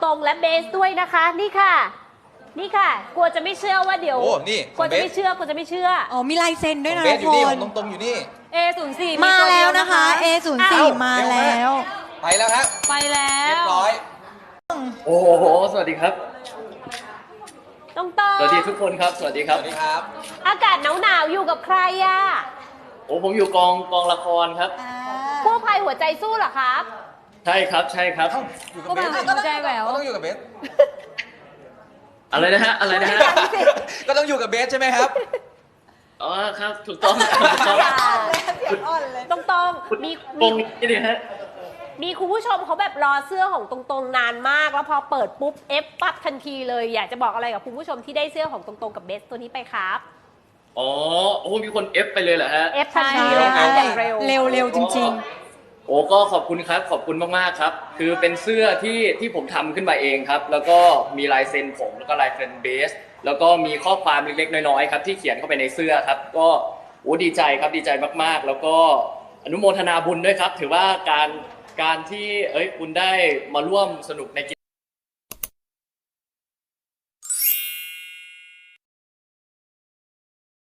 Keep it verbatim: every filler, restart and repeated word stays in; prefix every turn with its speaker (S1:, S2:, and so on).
S1: รงๆและเบสด้วยนะคะนี่ค่ะนี่ค่ะกลัวจะไม่เชื่อว่าเดี๋ยว
S2: โอ้นี่
S1: กลัวจะไม่เชื่อกลัวจะไม่เชื่อ
S3: อ๋อมีลายเซ็นด้วยนะ
S2: เบ
S3: ทุ
S2: ส
S3: ก
S2: อยู่
S3: ค
S2: นี่ข
S3: น
S2: องตรงๆอยู่นี่
S4: เอ ศูนย์สี่
S3: มาแล้วนะคะ เอ ศูนย์สี่
S2: เอ้า
S3: มา
S2: เร็วมาก
S3: แล้ว
S2: ไปแล้วฮะ
S4: ไปแล้
S2: เรียว บร้อย
S5: โอ้โห สวัสดีครับ
S1: ต้องต่อ
S5: สวัสดีทุกคนครับ สวัสดีค
S2: ส
S5: รับ
S2: วัสดีครับ
S1: อากาศหนาวๆอยู่กับใครอะ
S5: โอ้ผมอยู่กองกองละครครับ
S1: กู้ภัยหัวใจสู้เหรอครับ
S5: ใช่ครับ ใช่ครับ
S2: เอ้าอยู่กับ
S4: ก็
S2: เบ
S4: มา
S2: ส
S4: หัวใจแหวว
S2: ก็ต้องอยู่กับเบส
S5: อะไรนะฮะ อะไรนะฮะ
S2: ก็ต้องอยู่กับเบสใช่ไหมครับ
S5: อ๋อครับ ถูกต้องครับถูกต้อง
S1: ต้องตรงๆมี
S5: ตร
S1: มี
S5: งนี้เลยฮะ
S1: มีคุณผู้ชมเขาแบบรอเสื้อของตรงๆนานมาก แล้วพอเปิดปุ๊บเอฟปั๊บทันทีเลยอยากจะบอกอะไรกับคุณผู้ชมที่ได้เสื้อของตรงๆกับเบสตัวนี้ไปครับ
S5: อ๋อ โอ้ มีคนเอฟไปเลยเหรอฮะ
S1: เอฟทันทีเลยค่ะอย่างเร็ว
S3: เร็วเร็วจริง
S5: โอ้ก็ขอบคุณครับ ขอบคุณมากๆครับ คือเป็นเสื้อที่ที่ผมทำขึ้นมาเองครับ แล้วก็มีลายเซ็นผมแล้วก็ลายเซ็นเบส แล้วก็มีข้อความเล็กๆน้อยๆครับที่เขียนเข้าไปในเสื้อครับ ก็โอ้ดีใจครับดีใจมากๆ แล้วก็อนุโมทนาบุญด้วยครับ ถือว่าการการที่เอ้ยคุณได้มาร่วมสนุกในกิจ